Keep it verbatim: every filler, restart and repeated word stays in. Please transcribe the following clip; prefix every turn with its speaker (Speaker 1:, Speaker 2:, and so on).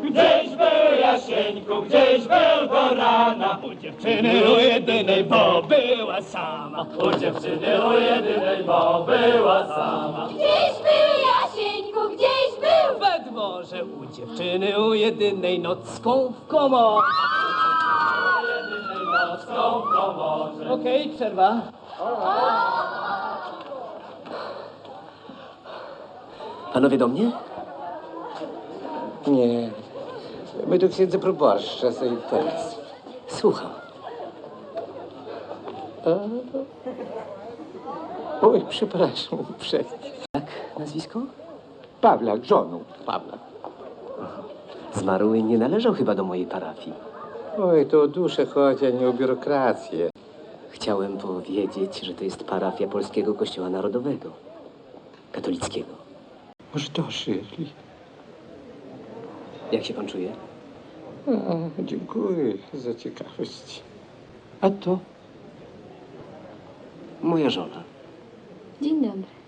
Speaker 1: Gdzieś był Jasieńku, gdzieś był do rana. U dziewczyny u jedynej, bo była sama. U dziewczyny u jedynej, bo była sama.
Speaker 2: Gdzieś był Jasieńku, gdzieś był
Speaker 1: We dworze u dziewczyny u jedynej, nocką w komorze. U jedynej, nocką w komorze. Okej, przerwa.
Speaker 3: Panowie do mnie?
Speaker 4: Nie. My do księdza proboszcza za interes.
Speaker 3: Słucham.
Speaker 4: Oj, przepraszam uprzejmie.
Speaker 3: Jak nazwisko?
Speaker 4: Pawlak, żoną Pawlak.
Speaker 3: Zmarły nie należał chyba do mojej parafii.
Speaker 4: Oj, to o duszę chodzi, a nie o biurokrację.
Speaker 3: Chciałem powiedzieć, że to jest parafia Polskiego Kościoła Narodowego. Katolickiego.
Speaker 4: Może to Shirley?
Speaker 3: Jak się pan czuje?
Speaker 4: A, dziękuję za ciekawość. A to?
Speaker 3: Moja żona.
Speaker 2: Dzień dobry.